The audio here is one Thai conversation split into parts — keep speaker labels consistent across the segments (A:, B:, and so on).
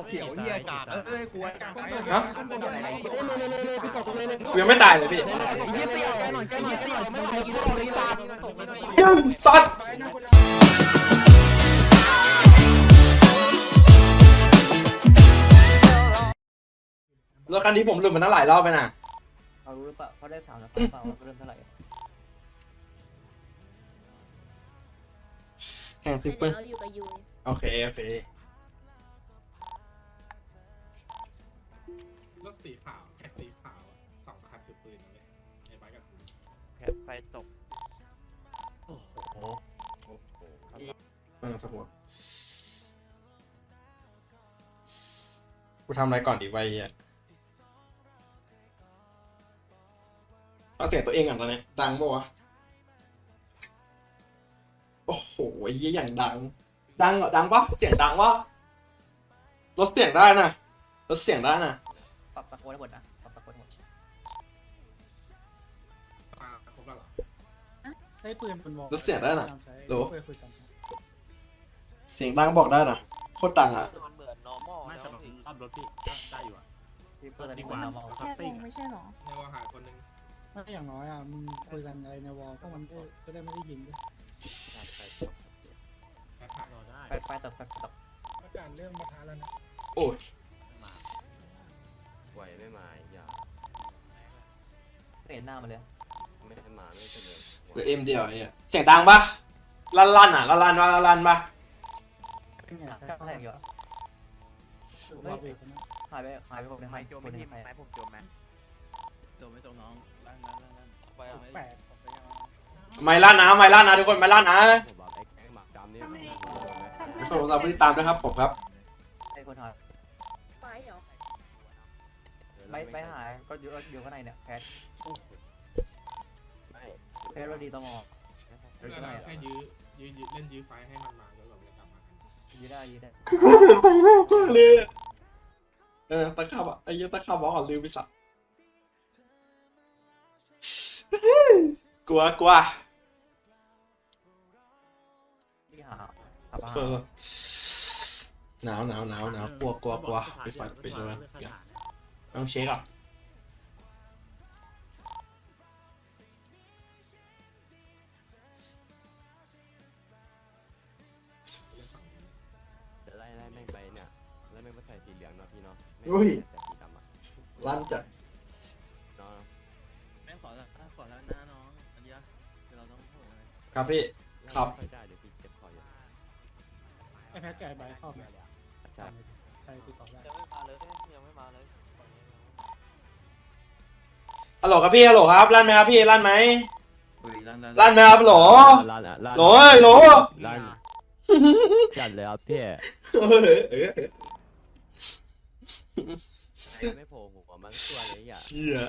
A: เขียวเหี้ยกากควร
B: ฮะกูยังไม่ตายเลยพี่ยังสัตว์รถคันนี้ผมหลุดมาตั้งหลายรอบไปน่ะ
C: เขารู้หรือเปล่าเขาได้ถามแล้วเปล่าว่าเริ่มเท่าไหร่
B: แข่งซิปเปอร์
D: เราอยู่กับยู
B: โอเค
E: รถสีขาวแค่สีขาว2 คันถือปืนนะเว้ยไอ้บ้ากับกู
A: แผลไฟตก
C: โอ้โห
B: ไม่ต้องสะหัวกูทำอะไรก่อนดีไว้เฮียเอาเสียงตัวเองก่อนตอนนี้ดังปะวะโอ้โหเฮียอย่างดังเหรอดังปะเสียงดังปะลดเสียงได้นะลดเสียงได้นะ
C: ปรับตะโกนให้หมดนะปรับตะโกนหมด
E: ครบแล้วเหรอ
F: ใช้ปืนเป็นบอก
B: ลดเสียงได้นะโหล
F: คุยกัน
B: เสียงดังบอกได้นะโคตรดังอ่ะ
A: มันเหมือน normal
G: ไม่
A: แล้
G: แต่
A: ว
G: แบบขับรถพี่ได้อยู่อ่ะ
C: ที่เปิดตะโกนมา
D: แค่วงไม่ใช่หรอ
E: ในว่าหายคนนึง
F: ถ้าอย่างน้อยอ่ะมึงคุยกันอะไรในวอลพวกมันก็จะได้ไม่ได้ยิงด้วย
E: แค่หาย
G: รอได้
C: ไปตก
F: อากาศเริ่มมาท้าแล้วนะ
B: โอ้ย
A: ไหวไม่มาอย่า
C: ไม่เห็นหน้ามันเลย
A: ไม่ให้มาไม่เฉลย
B: เหลือเอ็มเดียวไอ้เหี้ยเสียงดังปะลั่นอ่ะลั่นปะ
F: เป็นไง
C: แค่แทงอยู่
F: รอบเอกนะ
C: หายไปคนนึง
A: ไม่โจมไม่ทีม
C: ใคร
A: ไม่ผมโจมแมน
G: โจมไม่โจมน้องลั่น
A: ไป
F: แปลก
B: ไม่ลั่นนะทุกคนไม่ลั่นนะ
A: ผมบอกไอ้แก๊งหมักดำนี่
B: ไม่ส่งสาวผู้ติดตามด้วยครับผมครับ
C: ไอ้คนหาย
D: ไฟเหรอ
C: ไปหายก็อยู่ข้างในเนี่ยแคส
A: ไม่
C: แคสเราดีตมอ
E: แล้วเราแค่ยื้อเล่นยื้อไฟให้มันมาแล้วเราจะกลับมากัน
C: ยืดได้
B: ไปแรกก็เลยตะขาบไอ้ยี่ตะขาบบอกก่อนลืมไปสักกลัว
C: ที่หา
B: หนาวกลัวไปเลยต้องเช็คอ่ะ
A: จะไล่แม่งไปเนี่ยไล่แม่งไปใส่สีเหลืองเนาะพี่เนาะ
B: อุ้ย
A: แต่สีดำอ่ะ
B: ลั่นจัด
A: เนาะ
G: แม่ขอแล้วนะน้องอันนี้เราต้องโหอะไร
B: ครับพี่ ครับ
A: ไม่ได้เดี๋ยวพี่เจ็บคออยู่
F: ไอแพทกับไอใบเข้าไป
A: ใช่
F: ใครติดต่อได้
A: ยังไม่มาเลย
B: ฮัลโหลครับพี่ฮัลโหลครับลั่นไหมครับพี่ลั่นไหม ลั่นไหมครับโหล
A: ลั่นอ่ะ
B: โหลโหล
A: ลั่นจัดเลยครับพี่ไม่โผล่หัวมันตัวเลยอ่ะ
B: เชี่ย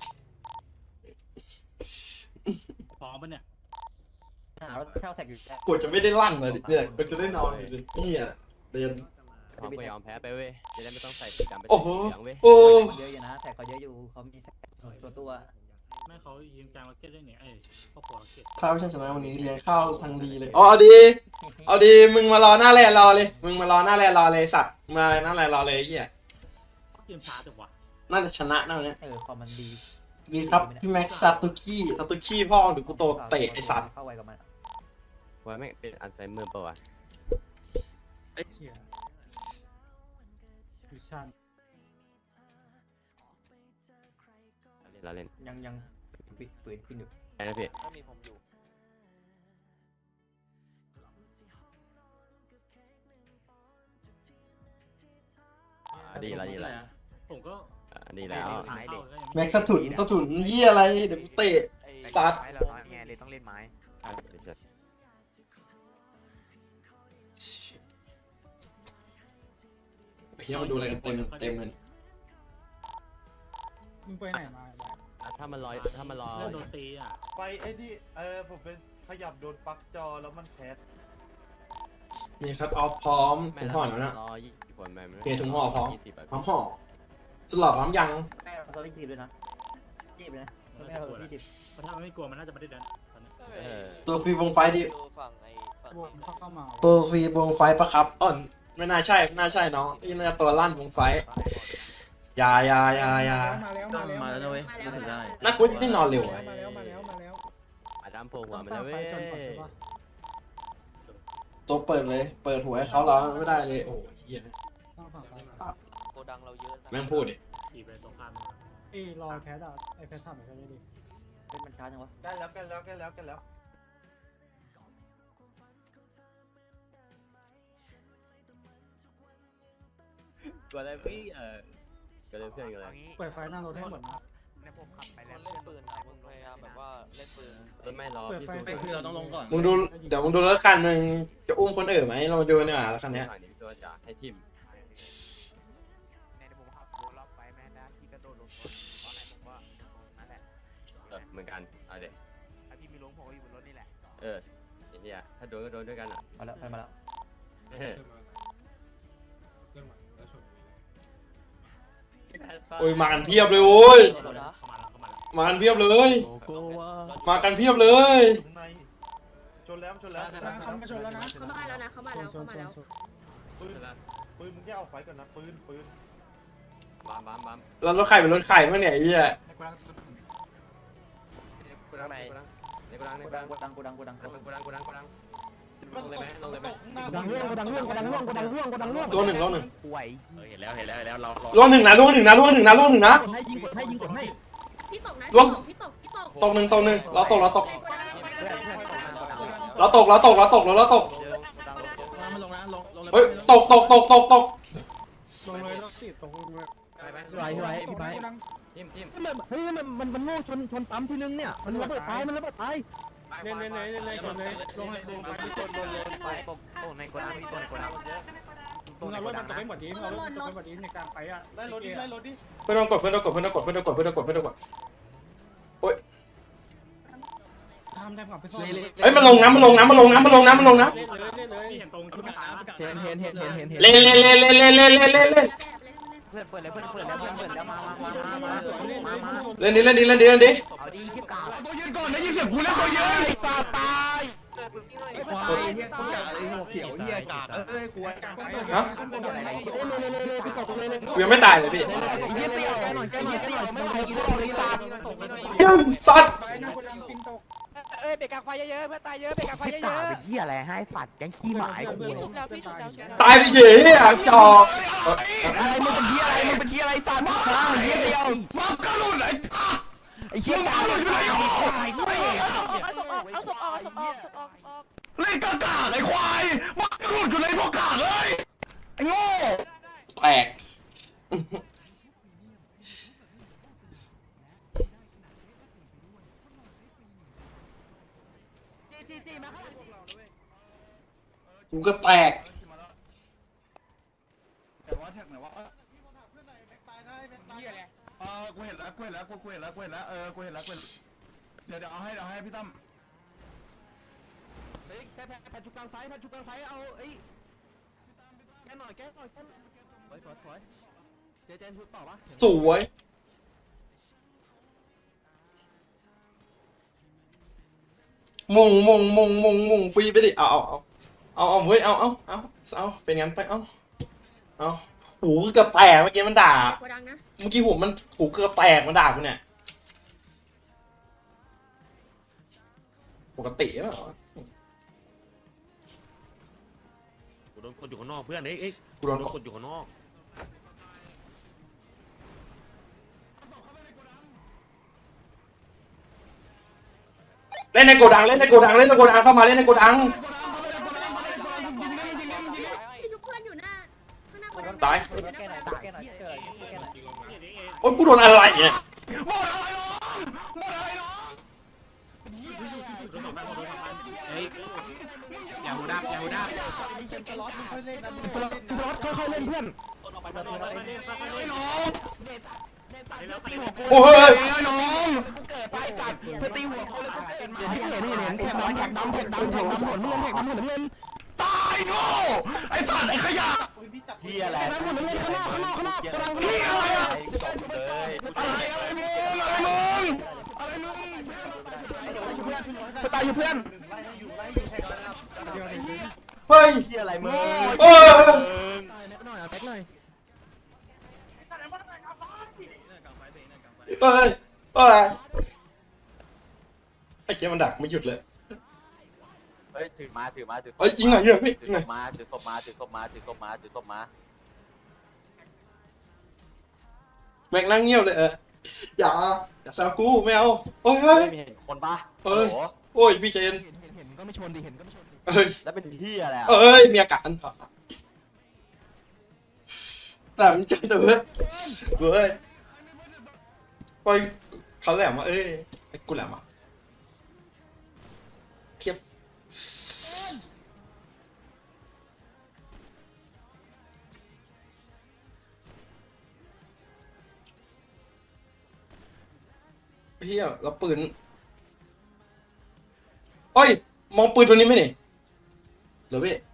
G: พร้อมปะเนี่ย
C: หารถแค่แท็กอยู่
B: กดจะไม่ได้ลั่นเลยเนี่ยก็จะได้นอนอยู่นี่อ่ะเดิน
A: พร้อมก็ยอมแพ้ไปเว้ยจะได้ไม่ต้องใส่สีดำไป
B: โอ้
A: ใส่
B: โห
A: สีเหลืองเว้ย
B: โอ้
C: เยอะอยู่นะแท็กเขาเยอะอยู่เขามีตัว
G: แม่เขายิงกลางมาร์เก็ตได้เนี่ยครอบครัวมาร์เก็ต
B: ถ้าไม่ใช่ชนะวันนี้เลี้ยงข้าวทางดีเลยอ๋อเอาดีมึงมารอหน้าแลนรอเลยมึงมารอหน้าแลนรอเลยสัตว์มาหน้าแลนรอเลยไอ้เหี้ย
G: เกมช้าจังวะ
B: น่าจะชนะนะวันนี้
C: พอมันดี
B: มีครับพี่แม็กซ์ซาตุกี้พ่อหรือกูโตเตะไอสัตว์
C: เข้าไวกับมัน
A: ว่าไม่งเป็นอัลไซเมอร์ป่าวะ
F: ไอ้เหี้ยวิชัน
A: เราเล่น
C: ยังปิดปืนขึ้นอยู่
A: ไอ้นะพี่
H: ถ้ามีผมอยู่
A: ดีแล้ว
G: ผมก็
A: ดีแล้ว
B: แม็กซ์ถุนเหี้ยอะไรเดี๋ยวกูเตะ ซัด
H: ไม้เราน้อยไงเลยต้องเล่นไม้
B: เฮียมาดูอะไรกันเต็มเลย
F: มึงไปไหนมาไอ้ใบ
A: ถ้ามันรอ
G: เล่นโดนตีอ่ะ
I: ไปไอ้ที่ผมเป็นขยับโดนปลั๊กจอแล้วมันแคส
B: มีครับเอาพร้อมถุงห่อแล้วนะ
A: รอ20 คนแม่
B: โอเคถุงห่อพร้อม
A: 20
B: พร้อมห่อสลับพร้อมยัง
C: แม่เราไม่จีบเลยนะจีบเลยนะแม่เราไม่จีบ
G: เพราะถ้ามันไม่กลัวมันน่าจะไม่ได้ดันตอนนี้
B: ตัวฟรีวงไฟดิ
H: ดูฝั่งไอ้ฝั่ง
F: วงเข้ามา
B: ตัวฟรีวงไฟปะครับอ่อนไม่น่าใช่ไม่น่าใช่น้องนี่น่าจะตัวลั่นวงไฟอย่า
F: มาแล้ว
G: มาแล้วนะเว้ยรู้สึกได้
B: น่ากลัวที่นอนเร็วอะ
F: มาแล้ว
A: อาดามโผล่หัว
F: ต้อง
A: มา
F: ตั้
A: แล้
F: ง
A: ว
F: ไฟ
A: เว้ย
F: ชนก่อนใช่ปะ
B: ตัวเปิดเลย เปิดหัวให้เขาเราไม่ได้เลยโอ้ยเฮีย
F: ต้องฝั่งไฟ
B: ตัด
C: โกดังเราเยอะ
B: แม่งพูดดิ
E: ขี่ไปตรงข้าม
F: รอไอแพทอ่ะไอแพททำอะไรกันดิ
C: เป็นมันช้าจังวะ
I: ใกล้แล้วใกล้แล้วใกล้แล้วใกล้แล้ว
A: กลัวอะไรพี่ก็เลยเพื่อนกันเลย
F: เปิดไฟหน้ารถให้หมดนะ
C: ในผมขับไปแล้วเล่นปืนมึงพยายามแบบว่าเล่นปืน
A: ไม่รอพี่
G: ไม่คือเราต้องลงก่อน
B: มึงดูเดี๋ยวมึงดูรถคันมึงจะอุ้มคนอื่นไหมเรามาดูเนี่ยรถคันเนี้ย
A: ฝั่งนี้ตัวจะให้ทิม
C: ในผมขับรอบไปแม่นะที่กระโดดลงตอนไหนผมว่านั่นแหละ
A: เหมือนกันเอาเด็ก
C: ถ้าพี่มีลงผมก็อยู่บนรถนี่แหละ
A: ไอ้เหี้ยถ้าโดนก็โดนด้วยกันอ่ะ
C: มาแล้วมาแล้ว
E: เครื่องมาแล้วชน
B: โอ้ยมากันเพียบเลยโอ้ย
E: เข้ามาแล้วเข้ามาแล้ว
B: มากันเพียบเลย
G: โกว่า
B: มากันเพียบเลย
I: ข้างในชนแล้วชนแล้ว
F: เขามาชนแล้วนะ
D: เขามาแล้วนะเขามาแล้ว
F: ช
D: เขา
F: น
D: มาแล้ว
I: ปืนปืนมึงแค่เอาไฟก่อนนะปืน
A: บัม
B: แล้วรถไข่เป็นรถไข่มั้งเนี่ยไอ้เหี้ย
A: กูดังในกูดัง
C: โกดังลงเลยไหมลงเลยไหม
F: ดังร่วงดังร่วงดังร่วงดังร่วงดังร่วง
B: ตัวหนึ่ง
C: ป่วย
G: เห็นแล้วเรา
B: ล่วงหนึ่งนะล่วงหนึ่งนะล่วงหนึ่งนะล่วงหนึ่งนะ
F: ให้ยิงกดให้
D: พี่ตกนะ
B: ล่วง
D: พี่ตก
B: ตกหนึ่งเราตก
C: เพื่อน
B: เราตก
G: มันลงนะลง
B: เฮ้ยตก
F: ลงเลยรถสิตกลงเลย
G: พี่ไว้พี่ไว้
A: ทิม
H: เฮ้ยมันโง่ชนปั๊มทีนึงเนี่ยมันระเบิดตายชนเลย
F: เล่นลงให้ลงไฟที่ชนเลย
C: ไปตกในโกดังพี่ตัวในโกดัง
F: มึงเอารถมันตกไปหมดดิเอารถมันตกไปหมดดิในกลางไฟอ่ะ
I: ไล่รถดิไล่รถดิ
B: เพื่อนกด
F: ทำได้ก่อนไปซ่อม
B: เฮ้ยมันลงนะ
F: เล่นเลย
E: ที่เห็นตรงที่มันตาย
H: เห็น
B: เล่น
C: เพื่อนเปิดเลยเพื่อนเปิดแล้วมา
B: เล่นดิ
C: เอาดีที่กา
H: ตัวยืนก่อนได้ยินเสียงกูแล้วตัวยืนไอ้ปาตาย
I: ควายเฮียกูอยากไอ้หัวเขียวเฮียกากควาย
B: ฮะ
H: ไปตกเลย
B: กูยังไม่ตายเลยพี่
H: ไอ้เหี้ยเปรี้ยวแกหน่อยไม่ไหวกูบอกเลยสัตว์
B: เฮ้ยสัตว์
F: ไฟหน้าคนดังฟินตก
C: เบรกกลางไฟเยอะเพื่อนตายเยอะเบรกกลางไฟเยอะเป็นเหี้ยอะไรให้สัตว์แก๊งขี้หมาไอ้กู
B: ตายไปเหี้ยจอก
H: อะไรมึงเป็นเหี้ยอะไรสัตว์ข้างเหี้ยเดียวมักกะลุนไอ้เหี้ยกาลุนอยู่ไหนเอาศพออกเล่นกากไอ้ควายมักกะลุนอยู่ไหนพวกกากเลยไอ้โง่
B: แตกกูก็แตก
H: แต่ว่าแท็กไหนวะกูเห็นแล้วเดี๋ยวเอาให้พี่ตั้มเฮ้ยแผ่นจุกกลางไฟเอาไอ้แกหน่อยถอยเจนพูดต่อปะ
B: สวยมงฟรีไปดิเอาเฮ้ยเอาเป็นงั้นไปเอาหูเกือบแตกเมื่อกี้มันด่า
D: โกดังนะ
B: เมื่อกี้หูเกือบแตกมันด่ากูเนี่ยปกติเปล่า
J: กูโดนกดอยู่ข้างนอกเพื่อนเอ้ย
B: กูโดน
J: กดอยู่ข้างนอก
B: เล่นในโกดังเข้ามาเล่นในโกดัง
D: พี่ชุบเพื่อนอยู่หน้าข้างหน้าโกดัง
B: ตาย
C: แค่ไหนเกิด
B: โอ๊ยกูโดนอะไรเนี่ย
E: อย่าหูดับ
I: รถค่อยเล่นนะ
H: รถค่อยๆเล่นเพื่อน
B: โอ้ย
H: น้องกูเกิดไปสัตว์เพื่อตีหัวกูแล้วกูเกิดมาให้เห็นแท็กดำหัวเงินตายโง่ไอ้สัตว์ไอ้ขยะ
I: ปืนพี่จับ
H: เฮียอะไรหัวเงินข้างนอกกำลังเฮียอะไรอะอะไรมึงไปตายอยู่เพื่อน
I: ไล่อยู่แท็กแล้ว
B: เฮ้ย
H: เฮียอะไรมึง
B: โอ้ย
H: แบ็คหน่อย
B: เอ้ยเอ้ยไอ้เหี้ยมันดักไม่หยุดเลย
A: เฮ้ยถือมาถือมาถือ
B: เอ้ยจริงเหรอเนี่ยพี่
A: ถือ
B: ไง
A: ศพมาถือศพมาถือศพมาถือศพมาถือศพมา
B: แม็กนั่งเงียบเลยอย่าแซวกูไม่เอาโอ้ย
A: เฮ้ยมีเห็นคนปะ
B: เอ้ย
A: โอ้โห
B: โอ้ยพี่เจน
H: เห็นก็ไม่ชนดิเห็นก็ไม่ชนดิ
B: เอ้ย
A: แล้วเป็นที่อะไรอ่ะ
B: เอ้ยมีอาการแต่มันเจอเว้ยเว้ยไปเขาแหลมมาเอ้ยไอ้กูแหลมอ่ะเทียบเฮียแล้วปืนเอ้ยมองปืนตัวนี้ไหมนี่เหรอพี่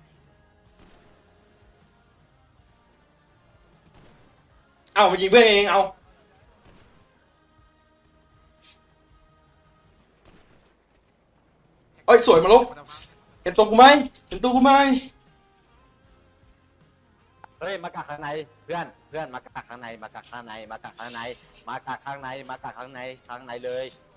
B: เอามายิงเพื่อนเองเอาเอ้ยสวยมาลุกเห็นตัวกูไหมเห็นตัวกูไหม
A: เฮ้ยมากักข้างในเพื่อนเพื่อนมากักข้างในมากักข้างในมากักข้างในมากักข้างในมากักข้างในข้างในเลย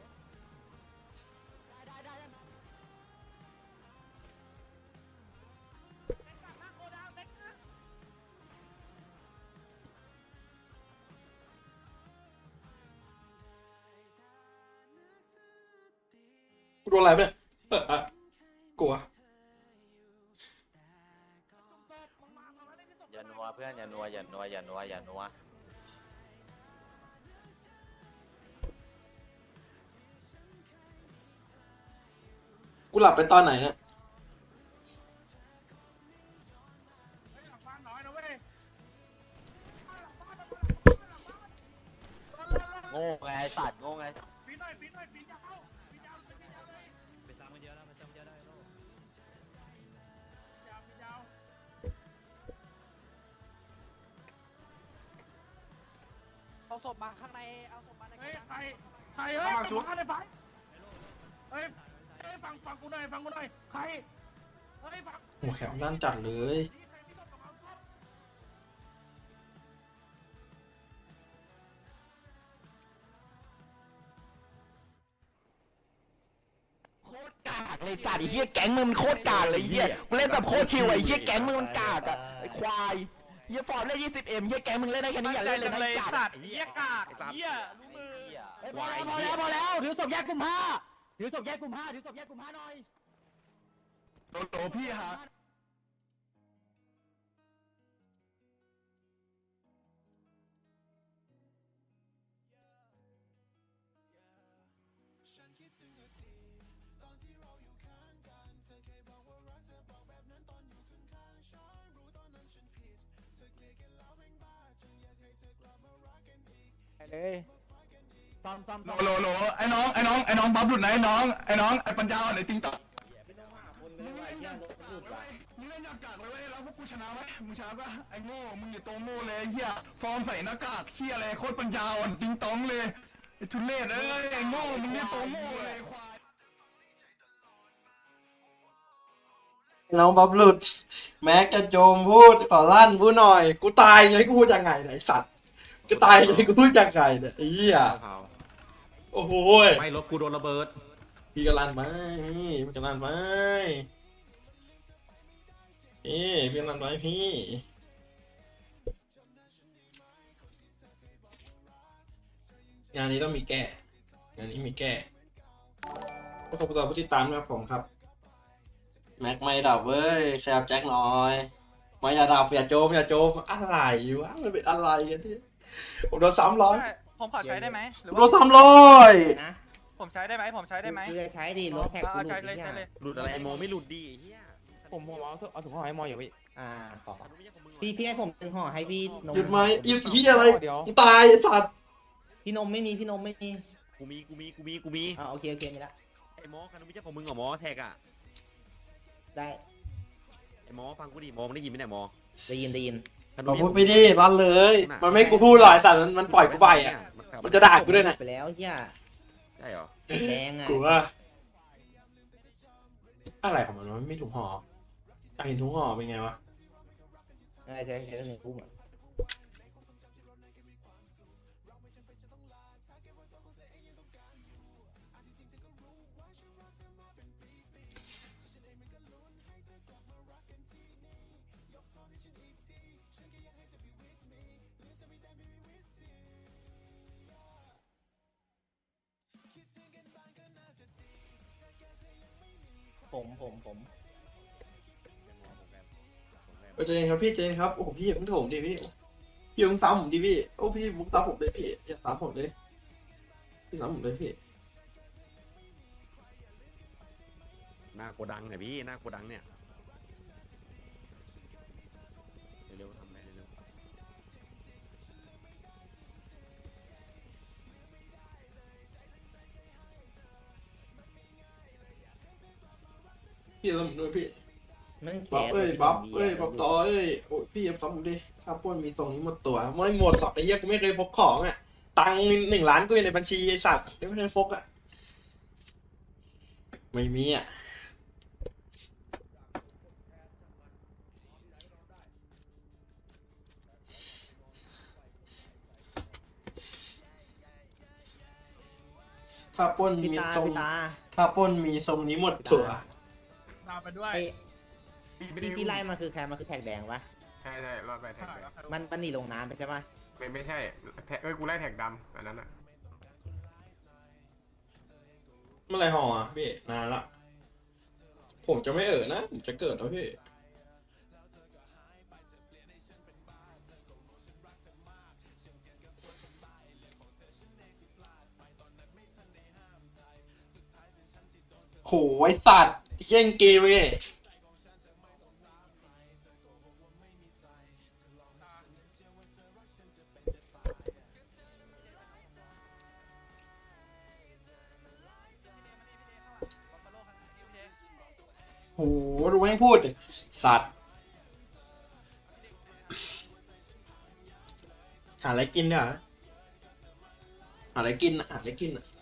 B: กูโดนอะไรไปเนี่ยกลัว
A: อย่านัวเพื่อนอย่านัวอย่านัวอย่านัวอย่านัว
B: กูหลับไปตอนไหนเนี่ย
A: โง่ไงสัตว์โง่ไง
C: เอาศพมาข้างในเอาศพมาใน
I: เฮ้ยใครเฮ้ยชุบในไฟเฮ้ยฟังกูหน่อยฟังกูหน่อยใครเฮ้ยฟัง
B: หัวแขวด้านจัดเลย
H: โคตรกากเลยสัตว์ไอ้เหี้ยแก๊งมึงมันโคตรกากเลยไอ้เหี้ยกูเล่นแบบโคตรชิวไอ้เหี้ยแก๊งมึงมันกากอะไอ้ควายเหี้ยฟอร์มเล่น 20M เหี้ยแก๊งมึงเล่นได้แค่นี้อย่าเล่นเลยนะไอ้สัตว์
C: เหี้ยกากเหี้ยรู้มือ
H: พอแล้วถือศพแยกกลุ่มห้าถือศพแยกกลุ่มห้าถือศพแยกกลุ่มห้าหน่อยโตพี่ฮะ
C: เลยซ้อม
H: โหลไอ้น้องบัฟหลุดนะไอ้น้องไอ้ปัญญาอ่อนไอ้ติงต่อมึงเล่นอย่างกากเลยเว้ยแล้วพวกกูชนะไหมมึงชนะปะไอ้โง่มึงอย่าโตโง่เลยเฮียฟอร์มใส่หน้ากากเฮียอะไรโคตรปัญญาอ่อนติงตองเลยไอ้ทุเรศเอ้ยไอ้โง่มึงอย่าโตโง่เลยควาย
B: น้องบ๊อบหลุดแม็กกระโจมพูดขอลั่นพูดหน่อยกูตายไงกูพูดยังไงไหนยไอ้สัตว์กูตายไงกูพูดยังไงเนี่ยไอ้เหี้ยโอ้โห
J: ไม่รถกูโดนระเบิด
B: พี่กันลั่นไหมพี่กันลั่นไหมพี่กันลั่นไหมพี่งานนี้ต้องมีแก้งานนี้มีแก้ขอบคุณผู้ติดตามนะครับผมครับแม็กไม่ดับเว้ยแคบแจ็คหน่อยไม่อย่าดับอย่าโจมอะไรวะมันเป็นอะไรกันเนี่ยผมโดน300
C: ผมขอใช้ได้ไหมหรือ
B: โด
C: ว่าน
B: 300
C: ผมใช้ได้ไหมผมใช้ได้ไหม
K: คือจะใช้ดิรถแท็กกูหลุ
C: ใช้
K: ด
C: เลย
K: เนี่
C: ใช้
K: ย
C: เลย
J: หลุดอะไรไอ้โมไม่หลุดดีไอ้เหี้ย
K: ผมเอาถุงห่อให้มออยู่พี่ขอ
J: คันนู้นไม่ใช่ของมึงหรอ
K: พี่ให้ผม1ห่อให้พี่นม
B: หยุดไหมหยุดเฮียอะไรกูตายไอ้สัตว์
K: พี่นมไม่มีพี่นมไม่มี
J: กูมี
K: โอเคมีละ
J: ไอ้หมอคันนู้นไม่ใช่ของมึงเหรอหมอแท็กอะ
K: ได้
J: ไอ้หมอฟังกูดิหมอมันได้ยินไหมเนี่ยหมอ
K: ได้ยิน
J: คัน
B: บ
J: นู้
B: อน ก
J: ไม่
B: พูด
J: ใช่
B: ไม่ดีรันเลย มันไม่กูพูดหรอกไอ้สัตว์มันปล่อยกูไปอ่ะมันจะด่ากูด้วยนะ
K: ไปแล้วเฮีย
J: ใช่เหรอ
K: แดงอ่ะ
B: กูว่าอะไรของมันวะไม่ถุงห่ออยากเห็นถุงห่อเป็นไงวะ
K: ใช่1 ทุ่มอ่ะ ผม
B: เจนครับพี่เจนครับโอ้โหพี่อย่าเพิ่งโถมดิพี่อย่าเพิ่งซ้ำผมดิพี่โอ้พี่บุกซ้ำผมเลยพี่อย่าซ้ำผมเลยพี่ซ้ำผมเลยพี่
J: หน้าโกดังเนี่ยพี่หน้าโกดังเนี่ยเร็วๆทำอะไรเร็ว
B: พี่ซ้ำผมด้วยพี่
K: มันแข
B: บ๊อบ
K: น
B: เอ้ยบ๊อบบ๊อบต่อเอ้ยโอ้ยพี่อย่าซ้ำผมดิถ้าปล้นมีทรงนี้หมดตัวไม่หมดหรอกไอ้เหี้ยกูไม่เคยพกของอ่ะตังค์1 ล้านกูอยู่ในบัญชีไอ้สัตว์ไม่เคยพกอ่ะไม่มีอ่ะถ้าปล้น
K: พี่
B: มี
K: ตา
B: ทรง
K: พี่ตา
B: ถ้าปล้นมีทรงนี้หมดตัว
I: ตามไปด้วย
K: ไอ้พี่ไล่มาคือใครมาคือแท็กแดงปะ
C: ใช่รอดไปแท็กแดง
K: มันหนีลงน้ำไปใช่ปะ
C: ไม่ใช่กูไล่แท็กดำอันนั้นอ่ะ
B: เมื่อไรห่ออ่ะพี่นานละผมจะไม่นะผมจะเกิดแล้วพี่โหไอสัตว์เชี่ยงเกมเลยโหดูแม่งพูดดิสัตว์หาอะไรกินเนี่ยหาอะไรกินอ่ะหาอะไรกินอ่ะ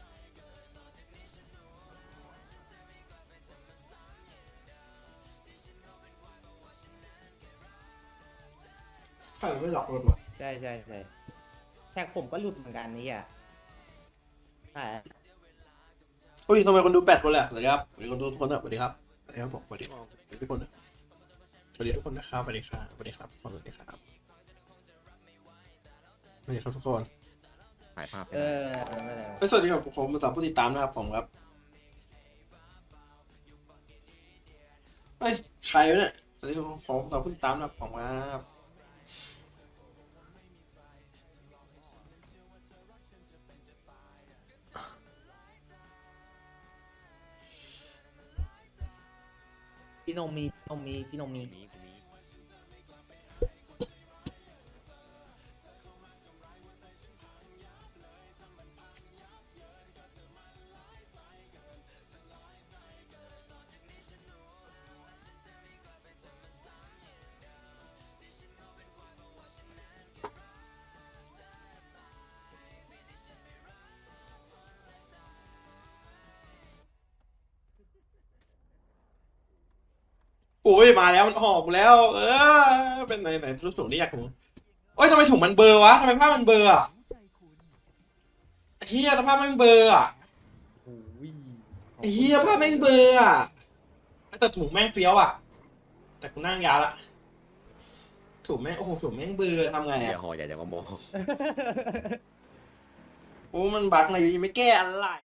B: ใครไม่หลอกรถวะ
K: ใช่แท็กผมก็หลุดเหมือนกันนี่อ่ะใช่
B: อุ้ยทำไมคนดู8 คนเลยอ่ะสวัสดีครับสวัสดีคนดูทุกคนนะสวัสดีครับสวัสดีครับผมสวัสดีทุกคนนะสวัสดีทุกคนนะครับสวัสดีครับสวัสดีครับสวัสดีครับสวัสดีครับทุกคน
J: ๆถ่ายภาพให้
K: เอ
J: หน่อย
K: อไม่เป็นไร
B: สวัสดีครับผมมาตามผู้ติดตามนะครับผมครับเฮ้ยใครวะเนี่ยสวัสดีครับผมตามผู้ติดตามนะครับผมครับ
K: พี่นมมีพี่นมมี
J: กูมี
B: โอ้ยมาแล้วมันห่อกูแล้ว เป็นไหนรูปถุงที่อยากรู้โอ้ยทำไมถุงมันเบลอวะทำไมผ้ามันเบลออ่ะเฮียผ้ามันเบลออ่ะเฮียผ้าแม่งเบลออ่ะแต่ถุงแม่งเฟี้ยวอ่ะแต่กูนั่งยาละถุงแม่งโอ้โหถุงแม่งเบลอทำไง
J: อย่า
B: อ่ะ
J: ห่ออย่ามาโม
B: โอ้มันบั๊กอะไรอยู่ยังไม่แก้อะไร